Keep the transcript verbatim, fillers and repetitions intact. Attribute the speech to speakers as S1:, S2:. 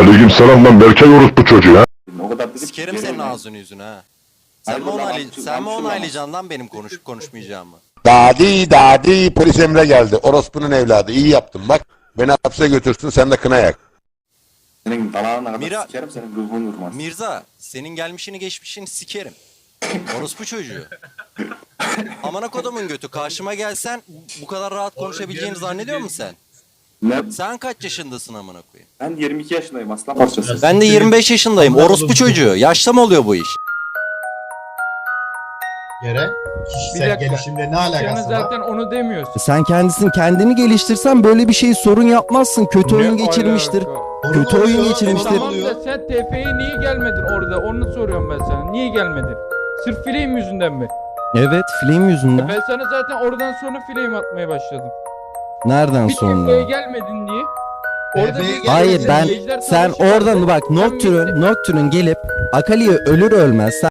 S1: Aleykümselam lan Berkay orospu çocuğu ha.
S2: O kadar dedim.
S3: Sikerim senin ağzını yüzünü ha. Sen mi onaylayacaksın, sen mi onaylayacaksın lan benim konuşup konuşmayacağımı?
S4: Dadi dadi polis Emre geldi. Orospunun evladı. İyi yaptın bak. Beni hapse götürsün sen de kına yak.
S2: Senin dalağına kadar
S3: Mira-
S2: sikerim senin ruhun vurmaz.
S3: Mirza, senin gelmişini geçmişini sikerim. Orospu çocuğu. Amına kodumun götü, karşıma gelsen bu kadar rahat konuşabileceğini zannediyor musun sen?
S2: Ne?
S3: Sen kaç yaşındasın amına koyayım?
S2: Ben yirmi iki yaşındayım aslan parçası.
S3: Ben de yirmi beş yaşındayım. Orospu çocuğu. Yaşta mı oluyor bu iş?
S5: Yere
S6: Bir
S5: kişisel
S6: dakika.
S5: gelişimle ne
S6: Sen
S5: alakası var?
S6: zaten onu demiyorsun.
S7: Sen kendisini kendini geliştirsen böyle bir şey sorun yapmazsın. Kötü oyun
S6: Ne
S7: geçirmiştir.
S6: alaka?
S5: Onu
S7: Kötü
S5: oluyor,
S7: oyun
S5: onu
S7: geçirmiştir.
S6: Tamam
S5: oluyor.
S6: da sen T F'ye niye gelmedin orada? Onu soruyorum ben sana. Niye gelmedin? Sırf fileyim yüzünden mi?
S7: Evet, film yüzünden.
S6: Ben sana zaten oradan sonra fileyim atmaya başladım.
S7: Nereden
S6: Bir T F'ye
S7: sonra?
S6: gelmedin diye.
S5: T F'ye
S6: Orada bir-
S7: Hayır ben
S6: Ejder
S7: sen
S6: Savaşı vardı.
S7: oradan bak
S6: Sen
S7: Nocturne
S6: gittin.
S7: Nocturne gelip Akali'ye ölür ölmez sen